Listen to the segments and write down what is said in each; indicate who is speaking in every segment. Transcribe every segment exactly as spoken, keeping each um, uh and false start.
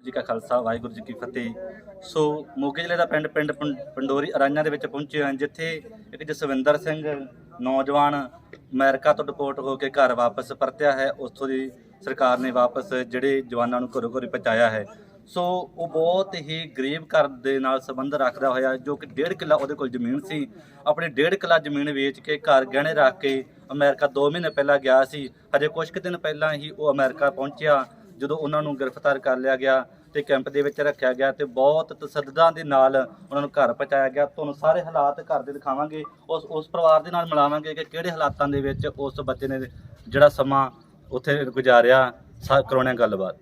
Speaker 1: ਜੀ ਕਾ ਖਾਲਸਾ ਵਾਹਿਗੁਰੂ ਜੀ ਕੀ ਫਤਿਹ। ਸੋ ਮੋਗੇ ਜ਼ਿਲ੍ਹੇ ਦਾ ਪਿੰਡ ਪਿੰਡ ਪੰ- ਪੰਡੋਰੀ ਅਰਾਈਆਂ ਦੇ ਵਿੱਚ ਪਹੁੰਚੇ ਹਾਂ, ਜਿੱਥੇ ਇੱਕ ਜਸਵਿੰਦਰ ਸਿੰਘ ਨੌਜਵਾਨ ਅਮਰੀਕਾ ਤੋਂ ਡਿਪੋਰਟ ਹੋ ਕੇ ਘਰ ਵਾਪਸ ਪਰਤਿਆ ਹੈ। ਉੱਥੋਂ ਦੀ ਸਰਕਾਰ ਨੇ ਵਾਪਸ ਜਿਹੜੇ ਜਵਾਨਾਂ ਨੂੰ ਘਰੋਂ ਘਰੀ ਪਹੁੰਚਾਇਆ ਹੈ। ਸੋ ਉਹ ਬਹੁਤ ਹੀ ਗਰੀਬ ਘਰ ਦੇ ਨਾਲ ਸੰਬੰਧ ਰੱਖਦਾ ਹੋਇਆ, ਜੋ ਕਿ ਡੇਢ ਕਿੱਲਾ ਉਹਦੇ ਕੋਲ ਜ਼ਮੀਨ ਸੀ, ਆਪਣੀ ਡੇਢ ਕਿੱਲਾ ਜ਼ਮੀਨ ਵੇਚ ਕੇ ਘਰ ਗਹਿਣੇ ਰੱਖ ਕੇ ਅਮਰੀਕਾ ਦੋ ਮਹੀਨੇ ਪਹਿਲਾਂ ਗਿਆ ਸੀ। ਹਜੇ ਕੁਝ ਕੁ ਦਿਨ ਪਹਿਲਾਂ ਹੀ ਉਹ ਅਮਰੀਕਾ ਪਹੁੰਚਿਆ, ਜਦੋਂ ਉਹਨਾਂ ਨੂੰ ਗ੍ਰਿਫਤਾਰ ਕਰ ਲਿਆ ਗਿਆ ਤੇ ਕੈਂਪ ਦੇ ਵਿੱਚ ਰੱਖਿਆ ਗਿਆ ਤੇ ਬਹੁਤ ਤਸੱਦਦਾਂ ਦੇ ਨਾਲ ਉਹਨਾਂ ਨੂੰ ਘਰ ਪਹੁੰਚਾਇਆ ਗਿਆ। ਤੁਹਾਨੂੰ ਸਾਰੇ ਹਾਲਾਤ ਘਰ ਦੇ ਦਿਖਾਵਾਂਗੇ, ਉਸ ਉਸ ਪਰਿਵਾਰ ਦੇ ਨਾਲ ਮਿਲਾਵਾਂਗੇ ਕਿ ਕਿਹੜੇ ਹਾਲਾਤਾਂ ਦੇ ਵਿੱਚ ਉਸ ਬੱਚੇ ਨੇ ਜਿਹੜਾ ਸਮਾਂ ਉੱਥੇ ਗੁਜ਼ਾਰਿਆ। ਸਾ ਕਰਾਉਣੇ ਗੱਲਬਾਤ।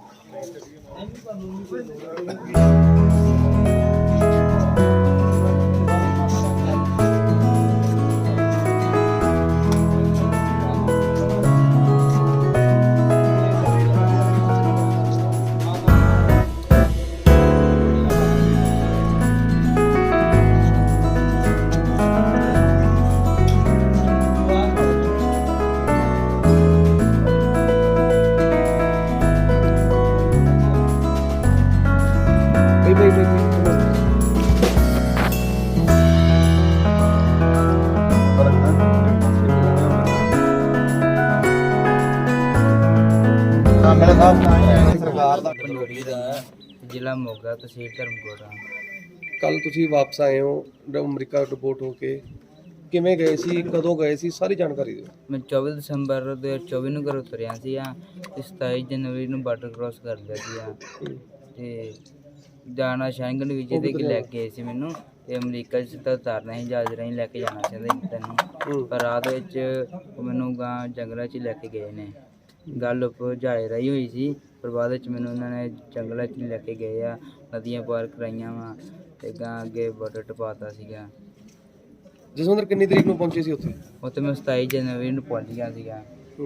Speaker 2: ਸਰਕਾਰ ਦਾ ਪੰਡੋਰੀ ਦਾ ਜ਼ਿਲ੍ਹਾ ਮੋਗਾ, ਤਹਿਸੀਲ ਧਰਮਕੋਟ।
Speaker 3: ਕੱਲ ਤੁਸੀਂ ਵਾਪਸ ਆਏ ਹੋ ਅਮਰੀਕਾ ਰਿਪੋਰਟ ਹੋ ਕੇ, ਕਿਵੇਂ ਗਏ ਸੀ, ਕਦੋਂ ਗਏ ਸੀ, ਸਾਰੀ ਜਾਣਕਾਰੀ ਦਿਓ।
Speaker 2: ਮੈਂ ਚੌਵੀ ਦਸੰਬਰ ਦੋ ਹਜ਼ਾਰ ਚੌਵੀ ਨੂੰ ਘਰੋਂ ਤੁਰਿਆ ਸੀ ਆ ਤੇ ਸਤਾਈ ਜਨਵਰੀ ਨੂੰ ਬਾਰਡਰ ਕ੍ਰੋਸ ਕਰ ਲਿਆ ਸੀ ਆ ਤੇ ਜਾਣਾ ਸ਼ੈਂਗਨ ਵੀਜ਼ੇ ਤੇ ਲੈ ਕੇ ਗਏ ਸੀ ਮੈਨੂੰ, ਤੇ ਅਮਰੀਕਾ 'ਚ ਸਿੱਧਾ ਉਤਾਰਨਾ ਸੀ, ਜਹਾਜ਼ ਰਾਹੀਂ ਲੈ ਕੇ ਜਾਣਾ ਚਾਹੁੰਦੇ ਤੈਨੂੰ, ਪਰ ਰਾਤ ਵਿੱਚ ਉਹ ਮੈਨੂੰ ਗਾਂ ਜੰਗਲਾਂ 'ਚ ਲੈ ਕੇ ਗਏ ਨੇ। ਗੱਲ ਉੱਪਰ ਜਹਾਜ਼ ਰਾਹੀਂ ਹੋਈ ਸੀ, ਪਰ ਬਾਅਦ ਵਿੱਚ ਮੈਨੂੰ ਉਹਨਾਂ ਨੇ ਜੰਗਲਾਂ 'ਚ ਲੈ ਕੇ ਗਏ ਆ, ਨਦੀਆਂ ਪਾਰ ਕਰਾਈਆਂ ਵਾ ਤੇ ਗਾਂ ਅੱਗੇ ਬਾਰਡਰ ਟਪਾਤਾ ਸੀਗਾ।
Speaker 3: ਜਸਵਿੰਦਰ ਕਿੰਨੀ ਤਰੀਕ ਨੂੰ ਪਹੁੰਚੇ ਸੀ ਉੱਥੇ?
Speaker 2: ਉੱਥੇ ਮੈਂ ਸਤਾਈ ਜਨਵਰੀ ਨੂੰ ਪਹੁੰਚ ਗਿਆ ਸੀਗਾ।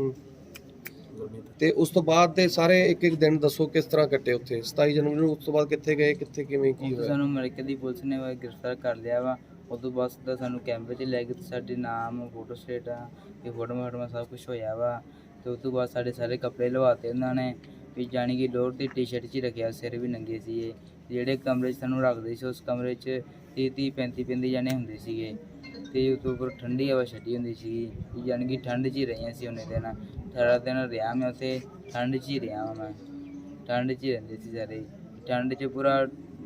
Speaker 3: ਤੇ ਉਸ ਤੋਂ ਬਾਅਦ ਦੇ ਸਾਰੇ ਇੱਕ ਇੱਕ ਦਿਨ ਦੱਸੋ ਕਿਸ ਤਰ੍ਹਾਂ ਕੱਟੇ ਉੱਥੇ? ਸਤਾਈ ਜਨਵਰੀ ਨੂੰ ਉਸ ਤੋਂ ਬਾਅਦ ਕਿੱਥੇ ਗਏ, ਕਿੱਥੇ ਕਿਵੇਂ ਕੀ ਹੋਇਆ?
Speaker 2: ਸਾਨੂੰ ਅਮਰੀਕਾ ਦੀ ਪੁਲਿਸ ਨੇ ਗ੍ਰਿਫਤਾਰ ਕਰ ਲਿਆ ਵਾ। ਉਸ ਤੋਂ ਬਾਅਦ ਸਿੱਧਾ ਸਾਨੂੰ ਕੈਂਪ 'ਚ ਲੈ ਗਏ, ਸਾਡੇ ਨਾਮ, ਫੋਟੋ ਸਟੇਟ ਆ, ਇਹ ਫੋਟੋ ਫਾਟੋਆਂ ਸਭ ਕੁਛ ਹੋਇਆ ਵਾ। ਤੇ ਉਸ ਤੋਂ ਬਾਅਦ ਸਾਡੇ ਸਾਰੇ ਕੱਪੜੇ ਲਵਾਤੇ ਉਹਨਾਂ ਨੇ, ਵੀ ਜਾਣੀ ਕਿ ਲੋਅਰ ਦੀ ਟੀ ਸ਼ਰਟ 'ਚ ਹੀ ਰੱਖਿਆ, ਸਿਰ ਵੀ ਨੰਗੇ ਸੀਗੇ। ਜਿਹੜੇ ਕਮਰੇ 'ਚ ਸਾਨੂੰ ਰੱਖਦੇ ਸੀ, ਉਸ ਕਮਰੇ 'ਚ ਤੀਹ ਤੀਹ ਪੈਂਤੀ ਪੈਂਤੀ ਜਾਣੇ ਹੁੰਦੇ ਸੀਗੇ ਤੇ ਉਸ ਤੋਂ ਉੱਪਰ ਠੰਡੀ ਹਵਾ ਛੱਡੀ ਹੁੰਦੀ ਸੀਗੀ, ਜਾਣੀ ਕਿ ਠੰਡ 'ਚ ਹੀ ਰਹੀਆਂ ਸੀ ਉਹਨੇ ਦਿਨ। ਅਠਾਰਾਂ ਦਿਨ ਰਿਹਾ ਮੈਂ ਉੱਥੇ, ਠੰਡ 'ਚ ਹੀ ਰਿਹਾ ਮੈਂ, ਠੰਡ 'ਚ ਹੀ ਰਹਿੰਦੇ ਸੀ ਸਾਰੇ, ਠੰਡ 'ਚ ਪੂਰਾ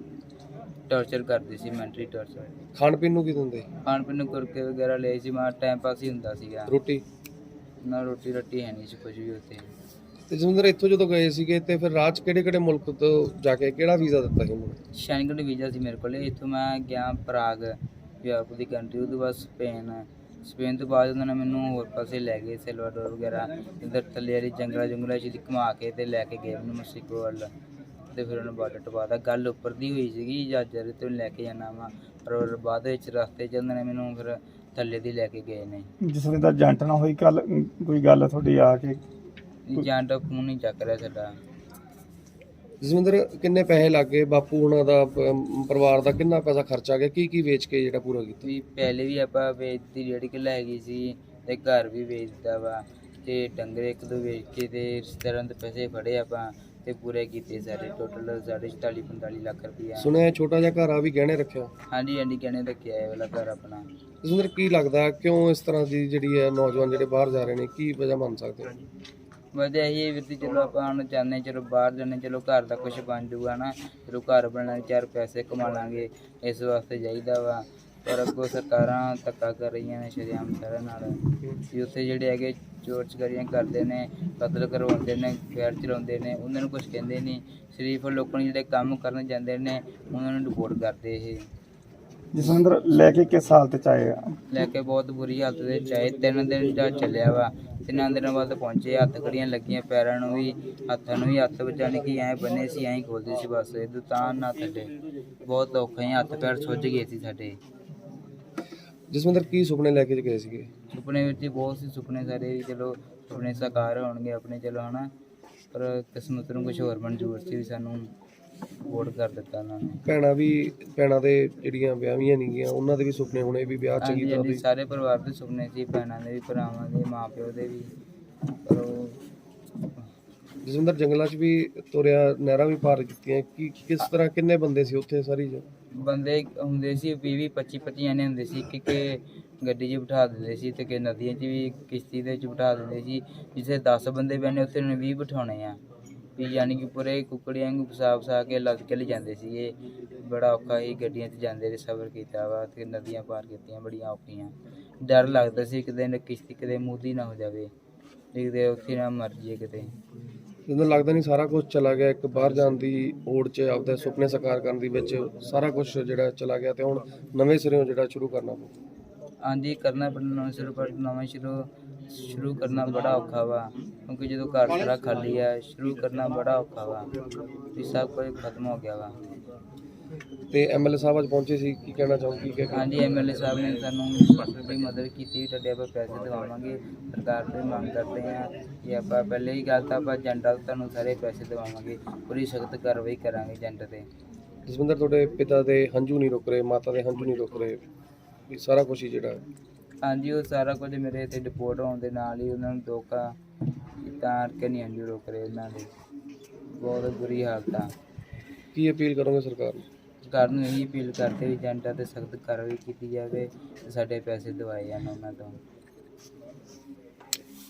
Speaker 2: ਟੌਰਚਰ ਕਰਦੇ ਸੀ, ਮੈਂਟਲੀ ਟੌਰਚਰ।
Speaker 3: ਖਾਣ ਪੀਣ ਨੂੰ ਕੀ ਦਿੰਦੇ?
Speaker 2: ਖਾਣ ਪੀਣ ਨੂੰ ਕੁਰਕੇ ਵਗੈਰਾ ਲਏ ਸੀ, ਮੈਂ ਟਾਈਮ ਪਾਸ ਹੀ ਹੁੰਦਾ ਸੀਗਾ।
Speaker 3: ਰੋਟੀ
Speaker 2: ਨਾ ਰੋਟੀ ਰੱਟੀ ਹੈ ਨਹੀਂ ਸੀ ਕੁਝ ਵੀ ਉੱਥੇ।
Speaker 3: ਤੇ ਜਸਵਿੰਦਰ ਇੱਥੋਂ ਜਦੋਂ ਗਏ ਸੀਗੇ ਤੇ ਫਿਰ ਰਾਜ ਕਿਹੜੇ ਕਿਹੜੇ ਮੁਲਕ ਤੋਂ ਜਾ ਕੇ ਕਿਹੜਾ ਵੀਜ਼ਾ ਦਿੱਤਾ ਸੀ ਉਹਨੂੰ?
Speaker 2: ਸ਼ੈਂਗਨ ਵੀਜ਼ਾ ਸੀ ਮੇਰੇ ਕੋਲ। ਇੱਥੋਂ ਮੈਂ ਗਿਆ ਪ੍ਰਾਗ, ਯੂਰਪ ਦੀ ਕੰਟਰੀ, ਉਹਦੇ ਬਾਅਦ ਸਪੇਨ, ਸਪੇਨ ਤੋਂ ਬਾਅਦ ਉਹਨਾਂ ਨੇ ਮੈਨੂੰ ਹੋਰ ਪਾਸੇ ਲੈ ਗਏ, ਸੈਲਵਾਡੋਰ ਵਗੈਰਾ, ਇੱਧਰ ਥੱਲੇ ਵਾਲੀ ਜੰਗਲਾਂ ਜੰਗਲਾਂ 'ਚ ਘੁਮਾ ਕੇ ਤੇ ਲੈ ਕੇ ਗਏ ਮੈਨੂੰ ਮੈਕਸੀਕੋ ਵੱਲ, ਤੇ ਫਿਰ ਉਹਨੇ ਬਾਰਡਰ ਟਪਾਤਾ। ਗੱਲ ਉੱਪਰ ਦੀ ਹੋਈ ਸੀਗੀ, ਜਹਾਜ਼ਾਂ ਤੇ ਲੈ ਕੇ ਜਾਣਾ ਵਾ, ਪਰ ਬਾਅਦ ਵਿੱਚ ਰਸਤੇ 'ਚ ਉਹਨਾਂ ਨੇ ਮੈਨੂੰ ਫਿਰ ਥੱਲੇ ਦੀ ਲੈ ਕੇ ਗਏ ਨੇ।
Speaker 4: ਜਿਸ ਵੇਲੇ ਦਾ ਏਜੰਟ ਨਾਲ ਹੋਈ ਕੱਲ ਕੋਈ ਗੱਲ ਤੁਹਾਡੀ ਆ ਕੇ?
Speaker 2: ਏਜੰਟ ਫੋਨ ਨਹੀਂ ਚੱਕ ਰਿਹਾ ਸਾਡਾ।
Speaker 3: ਜਸਵਿੰਦਰ ਕਿੰਨੇ ਪੈਸੇ ਲੱਗੇ, ਬਾਪੂ ਉਹਨਾਂ ਦਾ ਪ- ਪਰਿਵਾਰ ਦਾ ਕਿੰਨਾ ਪੈਸਾ ਖਰਚਾ ਗਿਆ, ਕੀ ਕੀ ਵੇਚ ਕੇ ਜਿਹੜਾ ਪੂਰਾ ਕੀਤਾ?
Speaker 2: ਵੀ ਪਹਿਲੇ ਵੀ ਆਪਾਂ ਵੇਚਦੀ ਡੇਢ ਕਿੱਲਾ ਹੈਗੀ ਸੀ ਤੇ ਘਰ ਵੀ ਵੇਚਦਾ ਵਾ, ਤੇ ਡੰਗਰ ਇੱਕ ਦੋ ਵੇਚ ਕੇ ਤੇ ਰਿਸ਼ਤੇਦਾਰਾਂ ਦੇ ਪੈਸੇ ਫੜੇ ਆਪਾਂ ਤੇ ਪੂਰੇ ਕੀਤੇ ਸਾਰੇ, ਟੋਟਲ ਸਾਢੇ ਚੁਤਾਲੀ ਪੰਤਾਲੀ ਲੱਖ ਰੁਪਈਆ।
Speaker 3: ਸੁਣਿਆ ਛੋਟਾ ਜਿਹਾ ਘਰ ਆ ਵੀ ਗਹਿਣੇ ਰੱਖਿਆ?
Speaker 2: ਹਾਂਜੀ ਹਾਂਜੀ ਗਹਿਣੇ ਰੱਖਿਆ ਇਹ ਵਾਲਾ ਘਰ ਆਪਣਾ।
Speaker 3: ਜਸਵਿੰਦਰ ਕੀ ਲੱਗਦਾ ਕਿਉਂ ਇਸ ਤਰ੍ਹਾਂ ਦੀ ਜਿਹੜੀ ਹੈ ਨੌਜਵਾਨ ਜਿਹੜੇ ਬਾਹਰ ਜਾ ਰਹੇ ਨੇ, ਕੀ ਵਜ੍ਹਾ ਮੰਨ ਸਕਦੇ ਹੋ?
Speaker 2: ਵਧੀਆ ਇਹ ਵੀ ਚਲੋ ਆਪਾਂ ਹੁਣ ਚਾਹੁੰਦੇ ਚਲੋ ਬਾਹਰ ਜਾਂਦੇ, ਚਲੋ ਘਰ ਦਾ ਕੁਝ ਬਣ ਜੂਗਾ ਨਾ, ਚਲੋ ਘਰ ਬਣਾਉਣ ਚਾਰ ਪੈਸੇ ਕਮਾ ਲਾਂਗੇ, ਇਸ ਵਾਸਤੇ ਚਾਹੀਦਾ ਵਾ। ਪਰ ਅੱਗੋਂ ਸਰਕਾਰਾਂ ਧੱਕਾ ਕਰ ਰਹੀਆਂ ਨੇ ਸ਼ਰੇਆਮ ਸਾਰਿਆਂ ਨਾਲ, ਵੀ ਉੱਥੇ ਜਿਹੜੇ ਹੈਗੇ ਚੋਰ ਚਕਾਰੀਆਂ ਕਰਦੇ ਨੇ, ਕਤਲ ਕਰਵਾਉਂਦੇ ਨੇ, ਫੈਰ ਚਲਾਉਂਦੇ ਨੇ, ਉਹਨਾਂ ਨੂੰ ਕੁਝ ਕਹਿੰਦੇ ਨਹੀਂ। ਸ਼ਰੀਫ ਲੋਕਾਂ ਨੂੰ ਜਿਹੜੇ ਕੰਮ ਕਰਨ ਜਾਂਦੇ ਨੇ ਉਹਨਾਂ ਨੂੰ ਰਿਪੋਰਟ ਕਰਦੇ। ਇਹ
Speaker 4: ਜਸਵਿੰਦਰ ਲੈ ਕੇ ਕਿਸ ਹਾਲਤ ਚ ਆਏ?
Speaker 2: ਲੈ ਕੇ ਬਹੁਤ ਬੁਰੀ ਹਾਲਤ ਦੇ ਚਾਹੇ ਤਿੰਨ ਦਿਨ ਦਾ ਚੱਲਿਆ ਵਾ, ਤਿੰਨਾਂ ਦਿਨਾਂ ਬਾਅਦ ਪਹੁੰਚੇ। ਹੱਥ ਕੜੀਆਂ ਲੱਗੀਆਂ, ਪੈਰਾਂ ਨੂੰ ਵੀ, ਹੱਥਾਂ ਨੂੰ ਵੀ, ਹੱਥ ਬਚਾਉਣੇ ਕਿ ਐਂ ਬੰਨੇ ਸੀ, ਐਂ ਖੋਲਦੇ ਸੀ ਬਸ, ਇਹ ਤਾਂ ਨਾ ਥੱਲੇ ਬਹੁਤ ਔਖਾ ਹੀ, ਹੱਥ ਪੈਰ ਸੁੱਜ ਗਏ ਸੀ ਸਾਡੇ।
Speaker 3: ਜਸਵਿੰਦਰ ਕੀ ਸੁਪਨੇ ਲੈ ਕੇ ਗਏ ਸੀਗੇ?
Speaker 2: ਸੁਪਨੇ ਵਿੱਚ ਹੀ ਬਹੁਤ ਸੀ ਸੁਪਨੇ ਸਾਰੇ, ਵੀ ਚਲੋ ਸੁਪਨੇ ਸਾਕਾਰ ਹੋਣਗੇ ਆਪਣੇ, ਚਲੋ ਹਨਾ, ਪਰ ਕਿਸਮਤ ਨੂੰ ਕੁਝ ਹੋਰ ਮਨਜ਼ੂਰ ਸੀ, ਵੀ ਸਾਨੂੰ ਵੋਟ ਕਰ ਦਿੱਤਾ ਉਹਨਾਂ ਨੇ।
Speaker 3: ਭੈਣਾਂ ਵੀ, ਭੈਣਾਂ ਦੇ ਜਿਹੜੀਆਂ ਵਿਆਹੀਆਂ ਨਹੀਂ ਗਈਆਂ ਉਹਨਾਂ ਦੇ ਵੀ ਸੁਪਨੇ ਹੋਣੇ ਵੀ ਵਿਆਹ ਚੰਗੀ ਤਰ੍ਹਾਂ ਦੀ?
Speaker 2: ਸਾਰੇ ਪਰਿਵਾਰ ਦੇ ਸੁਪਨੇ ਸੀ, ਭੈਣਾਂ ਦੇ ਵੀ, ਭਰਾਵਾਂ ਦੇ, ਮਾਂ ਪਿਓ ਦੇ ਵੀ, ਪਰ ਉਹ
Speaker 3: ਜਸਵਿੰਦਰ ਜੰਗਲਾਂ 'ਚ ਵੀ ਤੁਰਿਆ, ਨਹਿਰਾਂ ਵੀ ਪਾਰ ਕੀਤੀਆਂ, ਕੀ ਕਿਸ ਤਰ੍ਹਾਂ ਕਿੰਨੇ ਬੰਦੇ ਸੀ ਉੱਥੇ ਸਾਰੀ ਜ-
Speaker 2: ਬੰਦੇ ਹੁੰਦੇ ਸੀ ਵੀਹ ਵੀਹ ਪੱਚੀ ਪੱਚੀ ਜਣੇ ਹੁੰਦੇ ਸੀ, ਕਿ ਕਿ ਗੱਡੀ 'ਚ ਬਿਠਾ ਦਿੰਦੇ ਸੀ ਤੇ ਕਿ ਨਦੀਆਂ 'ਚ ਵੀ ਕਿਸ਼ਤੀ ਦੇ ਵਿੱਚ ਬਿਠਾ ਦਿੰਦੇ ਸੀ। ਜਿੱਥੇ ਦਸ ਬੰਦੇ ਬਹਿਣੇ ਉੱਥੇ ਉਹਨੇ ਵੀਹ ਬਿਠਾਉਣੇ ਆ ਵੀ, ਯਾਨੀ ਕਿ ਪੂਰੇ ਕੁੱਕੜੀਆਂ ਨੂੰ ਫਸਾ ਫਸਾ ਕੇ ਲੱਦ ਕੇ ਲੈ ਜਾਂਦੇ ਸੀਗੇ। ਬੜਾ ਔਖਾ ਹੀ ਗੱਡੀਆਂ 'ਚ ਜਾਂਦੇ ਰਹੇ, ਸਫ਼ਰ ਕੀਤਾ ਵਾ ਤੇ ਨਦੀਆਂ ਪਾਰ ਕੀਤੀਆਂ ਬੜੀਆਂ ਔਖੀਆਂ। ਡਰ ਲੱਗਦਾ ਸੀ ਕਿਤੇ ਨਾ ਕਿਸ਼ਤੀ ਕਿਤੇ ਮੂਧੀ ਨਾ ਹੋ ਜਾਵੇ, ਕਿਤੇ ਉੱਥੇ ਨਾ ਮਰ ਜਾਈਏ ਕਿਤੇ।
Speaker 3: ਮੈਨੂੰ ਲੱਗਦਾ ਨਹੀਂ ਸਾਰਾ ਕੁਝ ਚਲਾ ਗਿਆ, ਇੱਕ ਬਾਹਰ ਜਾਣ ਦੀ ਹੋੜ 'ਚ ਆਪਦੇ ਸੁਪਨੇ ਸਾਕਾਰ ਕਰਨ ਦੀ ਵਿੱਚ ਸਾਰਾ ਕੁਝ ਜਿਹੜਾ ਚਲਾ ਗਿਆ ਤੇ ਹੁਣ ਨਵੇਂ ਸਿਰਿਓਂ ਜਿਹੜਾ ਸ਼ੁਰੂ ਕਰਨਾ ਪਊ।
Speaker 2: ਹਾਂਜੀ ਕਰਨਾ ਪੈਣਾ ਨਵਾਂ ਸ਼ੁਰੂ, ਪਰ ਨਵਾਂ ਸ਼ੁਰੂ ਸ਼ੁਰੂ ਕਰਨਾ ਬੜਾ ਔਖਾ ਵਾ, ਕਿਉਂਕਿ ਜਦੋਂ ਘਰ ਸਾਰਾ ਖਾਲੀ ਆ, ਸ਼ੁਰੂ ਕਰਨਾ ਬੜਾ ਔਖਾ ਵਾ ਵੀ ਸਭ ਕੁਝ ਖਤਮ ਹੋ ਗਿਆ ਵਾ।
Speaker 3: ਤੇ ਐਮਐਲਏ ਸਾਹਿਬ ਅੱਜ ਪਹੁੰਚੇ ਸੀ, ਕੀ ਕਹਿਣਾ ਚਾਹੋ ਕੀ ਕਹਿ
Speaker 2: ਹਾਂਜੀ ਐਮਐਲਏ ਸਾਹਿਬ ਨੇ ਸਾਨੂੰ ਬੜੀ ਮਦਦ ਕੀਤੀ, ਤੁਹਾਡੇ ਆਪਾਂ ਪੈਸੇ ਦਿਵਾਵਾਂਗੇ। ਸਰਕਾਰ ਤੋਂ ਮੰਗ ਕਰਦੇ ਹਾਂ ਕਿ ਆਪਾਂ ਪਹਿਲੇ ਹੀ ਗੱਲ ਤਾਂ ਆਪਾਂ ਏਜੰਟਾਂ ਤੋਂ ਤੁਹਾਨੂੰ ਸਾਰੇ ਪੈਸੇ ਦਿਵਾਵਾਂਗੇ, ਪੂਰੀ ਸਖਤ ਕਾਰਵਾਈ ਕਰਾਂਗੇ ਏਜੰਟ 'ਤੇ।
Speaker 3: ਜਸਵਿੰਦਰ ਤੁਹਾਡੇ ਪਿਤਾ ਦੇ ਹੰਝੂ ਨਹੀਂ ਰੁਕ ਰਹੇ, ਮਾਤਾ ਦੇ ਹੰਝੂ ਨਹੀਂ ਰੁਕ ਰਹੇ, ਵੀ ਸਾਰਾ ਕੁਝ ਹੀ ਜਿਹੜਾ
Speaker 2: ਹਾਂਜੀ ਉਹ ਸਾਰਾ ਕੁਝ ਮੇਰੇ ਤੇ ਰਿਪੋਰਟ ਹੋਣ ਦੇ ਨਾਲ ਹੀ ਉਹਨਾਂ ਨੂੰ ਧੋਖਾ ਤਾਂ ਕਰਕੇ ਨਹੀਂ ਹੰਝੂ ਰੁਕ ਰਹੇ ਉਹਨਾਂ ਦੇ, ਬਹੁਤ ਬੁਰੀ ਹਾਲਤ ਆ।
Speaker 3: ਕੀ ਅਪੀਲ ਕਰੋਗੇ ਸਰਕਾਰ ਨੂੰ?
Speaker 2: ਸਰਕਾਰ ਨੂੰ ਇਹੀ ਅਪੀਲ ਕਰਦੇ ਵੀ ਏਜੰਟਾਂ 'ਤੇ ਸਖਤ ਕਾਰਵਾਈ ਕੀਤੀ ਜਾਵੇ ਤੇ ਸਾਡੇ ਪੈਸੇ ਦਿਵਾਏ ਜਾਣ ਉਹਨਾਂ ਤੋਂ।